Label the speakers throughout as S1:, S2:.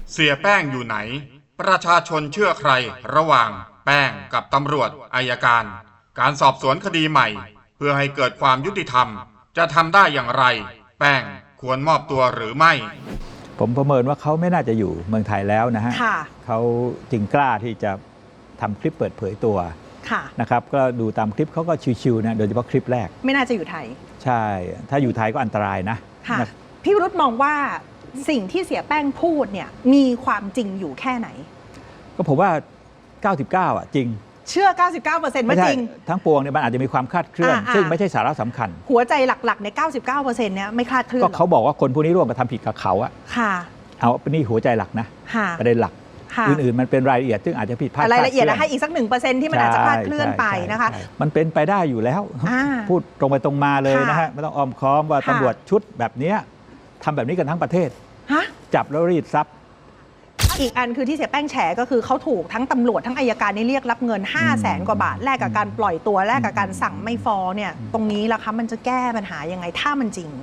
S1: เสียแป้งอยู่ไหนประชาชนเชื่อใครระหว่างแป้งกับตำรวจอัยการการสอบสวนคดีใหม่เพื่อให้เกิดความยุติธรรมจะทำได้อย่างไรแป้งควรมอบตัวหรือไม่
S2: ผมประเมินว่าเขาไม่น่าจะอยู่เมืองไทยแล้วนะฮะเขาจึงกล้าที่จะทำคลิปเปิดเผยตัวนะครับก็ดูตามคลิปเขาก็ชิวๆนะโดยเฉพาะคลิปแรก
S3: ไม่น่าจะอยู่ไทย
S2: ใช่ถ้าอยู่ไทยก็อันตรายนะ
S3: พี่วิรุธมองว่าสิ่งที่เสียแป้งพูดเนี่ยมีความจริงอยู่แค่ไหน
S2: ก็ผมว่า 99อ่ะจริง
S3: เชื่อ 99% ว่าจริง
S2: ทั้งปวงเนี่ยมันอาจจะมีความคลาดเคลื่อนซึ่งไม่ใช่สาระสำคัญ
S3: หัวใจหลักๆใน 99% เนี่ยไม่คลาดเคลื่อน
S2: ก็เขาบอกว่าคนพวกนี้ร่วมกระทำผิดกับเขาอะเอาเป็นนี่หัวใจหลักนะประเด็นหลักอื่นๆมันเป็นรายละเอียดซึ่งอาจจะผิดพลาด
S3: รายละเอียดให้อีกสัก 1% ที่มันอาจจะคลาดเคลื่อนไปนะคะ
S2: มันเป็นไปได้อยู่แล้วพูดตรงไปตรงมาเลยนะฮะไม่ต้องอ้อมค้อมว่าตำรวจชุดแบบนี้ทำแบบนี้กันทั้งประเทศจับแล้วรีดทรัพย์
S3: อีกอันคือที่เสียแป้งแฉก็คือเขาถูกทั้งตำรวจทั้งอัยการนี่เรียกรับเงิน 500,000 กว่าบาทแลกกับการปล่อยตัวแลกกับการสั่งไม่ฟ้องเนี่ยตรงนี้ล่ะคะมันจะแก้ปัญหายังไงถ้ามันจริง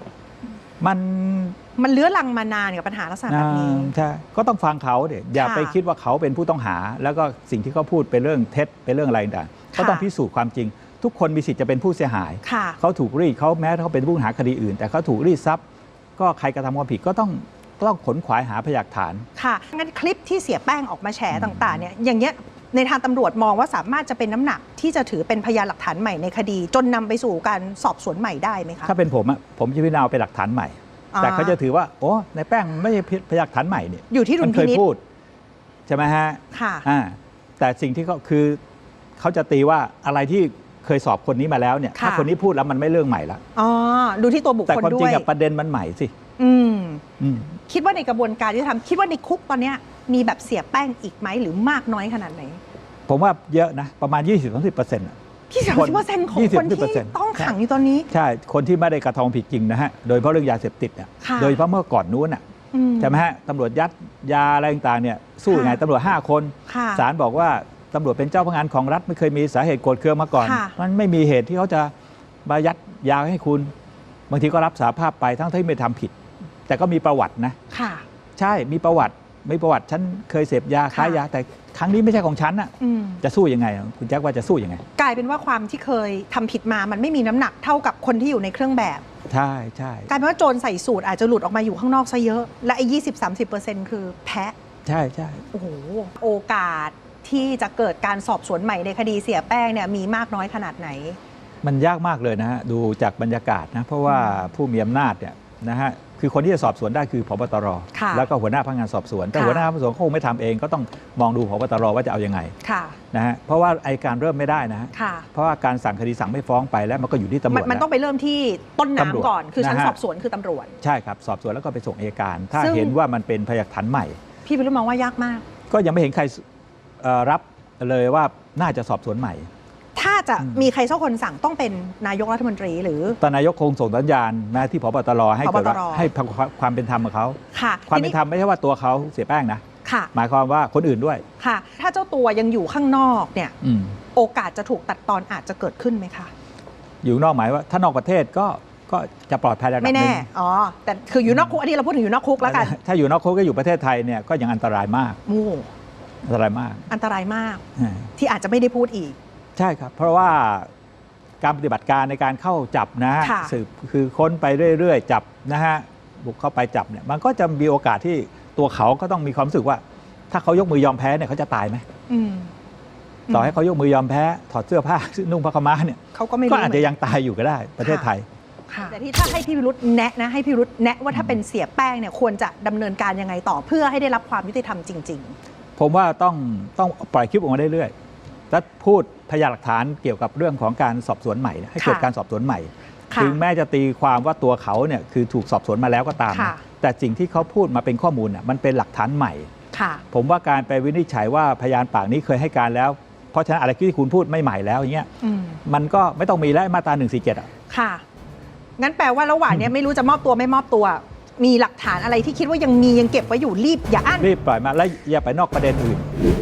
S3: มันเลื้อรังมานานกับปัญหาลักษณะแบบนี้
S2: ใช่ก็ต้องฟังเขาเดี๋ยวอย่าไปคิดว่าเขาเป็นผู้ต้องหาแล้วก็สิ่งที่เขาพูดเป็นเรื่องเท็จเป็นเรื่องอะไรต่างก็ต้องพิสูจน์ความจริงทุกคนมีสิทธิ์จะเป็นผู้เสียหายเขาถูกรีดเขาแม้เขาเป็นผู้ต้องหาคดีอื่นแต่เขาถูกรีดทรัพย์ก็ใครกระทำความผิดก็ต้องขนขวายหาพยานฐาน
S3: ค่ะงั้นคลิปที่เสียแป้งออกมาแฉต่างๆเนี่ยอย่างเงี้ยในทางตำรวจมองว่าสามารถจะเป็นน้ำหนักที่จะถือเป็นพยานหลักฐานใหม่ในคดีจนนำไปสู่การสอบสวนใหม่ได้ไหมคะ
S2: ถ้าเป็นผมจะพิจารณาเป็นหลักฐานใหม่แต่เขาจะถือว่าโอ้ในแป้งไม่ใช่พยานหลักฐานใหม่เนี่ย
S3: อยู่ที่ดุลพินิจ
S2: พูดใช่ไหมฮะ
S3: ค่ะ
S2: แต่สิ่งที่เขาจะตีว่าอะไรที่เคยสอบคนนี้มาแล้วเนี่ยถ้าคนนี้พูดแล้วมันไม่เรื่องใหม่ละ
S3: ดูที่ตัวบุคคลด้วย
S2: แต่ความจริงกับประเด็นมันใหม่สิ
S3: คิดว่าในกระบวนการที่ทำคิดว่าในคุกตอนนี้มีแบบเสียแป้งอีกไหมหรือมากน้อยขนาดไหน
S2: ผมว่าเยอะนะประมาณ 20-30%
S3: ที่30%ของคนที่ต้องขังอยู่ตอนนี้
S2: ใช่คนที่ไม่ได้กระทำผิดจริงนะฮะโดยเฉพาะเรื่องยาเสพติดเนี่ยโดยเฉพาะเมื่อก่อนนู้นอ่ะใช่ไหมฮะตำรวจยัดยาอะไรต่างๆเนี่ยสู้ยังไงตำรวจ5 คนศาลบอกว่าตำรวจเป็นเจ้าพนักงานของรัฐไม่เคยมีสาเหตุโกรธเคืองมาก่อนมันไม่มีเหตุที่เขาจะมายัดยาให้คุณบางทีก็รับสารภาพไปทั้งที่ไม่ทำผิดแต่ก็มีประวัตินะใช่มีประวัติฉันเคยเสพยาค้ายาแต่ครั้งนี้ไม่ใช่ของฉันน่ะจะสู้ยังไงคุณแจ็คว่าจะสู้ยังไง
S3: กลายเป็นว่าความที่เคยทำผิดมามันไม่มีน้ำหนักเท่ากับคนที่อยู่ในเครื่องแบบ
S2: ใช่
S3: กลายเป็นว่าโจรใส่สูตรอาจจะหลุดออกมาอยู่ข้างนอกซะเยอะและไอ้20-30%คือแพ้
S2: ใช่
S3: โอ้โหโอกาสที่จะเกิดการสอบสวนใหม่ในคดีเสียแป้งเนี่ยมีมากน้อยขนาดไหน
S2: มันยากมากเลยนะฮะดูจากบรรยากาศนะเพราะว่าผู้มีอำนาจเนี่ยนะฮะคือคนที่จะสอบสวนได้คือผบตรแล้วก็หัวหน้าพนักงานสอบสวนแต่หัวหน้าพนักงานสอบสวนคงไม่ทำเองก็ต้องมองดูผบตรว่าจะเอายังไงนะฮะเพราะว่าอัยการเริ่มไม่ได้นะฮะเพราะว่าการสั่งคดีสั่งไม่ฟ้องไปแล้วมันก็อยู่ที่ตำรวจ
S3: มันต้องไปเริ่มที่ต้นน้ำก่อนคือชั้นสอบสวนคือตำรวจ
S2: ใช่ครับสอบสวนแล้วก็ไปส่งอัยการถ้าเห็นว่ามันเป็นพยานหลักฐานใหม่
S3: พี่วิรุธมองว่ายากมาก
S2: ก็ยังไม่เห็นใครรับเลยว่าน่าจะสอบสวนใหม่
S3: ถ้าจะมีใครสักคนสั่งต้องเป็นนายกรัฐมนตรีหรือ
S2: ตอนนายกคงส่งสัญญาณมาที่ผบตรให้เกิดให้ความเป็นธรรมกับเขาความเป็นธรรมไม่ใช่ว่าตัวเขาเสียแป้งนะหมายความว่าคนอื่นด้วย
S3: ค่ะถ้าเจ้าตัวยังอยู่ข้างนอกเนี่ยโอกาสจะถูกตัดตอนอาจจะเกิดขึ้นไหมคะ
S2: อยู่นอกหมายว่าถ้านอกประเทศก็จะปลอดภัยระดับนึง
S3: ไม่แน่แต่คืออยู่นอกคุกอันนี้เราพูดถึงอยู่นอกคุกแล้วกัน
S2: ถ้าอยู่นอกคุกก็อยู่ประเทศไทยเนี่ยก็ยังอันตรายมากอันตรายมาก
S3: ที่อาจจะไม่ได้พูดอีก
S2: ใช่ครับเพราะว่าการปฏิบัติการในการเข้าจับนะฮะสืบคือค้นไปเรื่อยๆจับนะฮะบุกเข้าไปจับเนี่ยมันก็จะมีโอกาสที่ตัวเขาก็ต้องมีความรู้สึกว่าถ้าเขายกมือยอมแพ้เนี่ยเขาจะตายไหมต่อให้เขายกมือยอมแพ้ถอดเสื้อผ้านุ่งผ้าขม้าเนี่ย
S3: เขาก็
S2: อาจจะยังตายอยู่ก็ได้ประเทศไทย
S3: แต่ที่ถ้าให้พี่วิรุธแนะนะให้พี่วิรุธแนะว่าถ้าเป็นเสียแป้งเนี่ยควรจะดำเนินการยังไงต่อเพื่อให้ได้รับความยุติธรรมจริง
S2: ๆผมว่าต้องปล่อยคลิปออกมาเรื่อยๆและพูดพยานหลักฐานเกี่ยวกับเรื่องของการสอบสวนใหม่ให้เกิดการสอบสวนใหม่ถึงแม้จะตีความว่าตัวเขาเนี่ยคือถูกสอบสวนมาแล้วก็ตามแต่สิ่งที่เขาพูดมาเป็นข้อมูลมันเป็นหลักฐานใหม่ผมว่าการไปวินิจฉัยว่าพยานปากนี้เคยให้การแล้วเพราะฉะนั้นอะไรที่คุณพูดไม่ใหม่แล้วอย่างเงี้ยมันก็ไม่ต้องมีแล้วมาตรา147
S3: ค่ะงั้นแปลว่าระหว่างนี้ไม่รู้จะมอบตัวไม่มอบตัวมีหลักฐานอะไรที่คิดว่ายังเก็บไว้อยู่รีบอย่าอั้น
S2: รีบปล่อยมาแล้วอย่าไปนอกประเด็นอื่น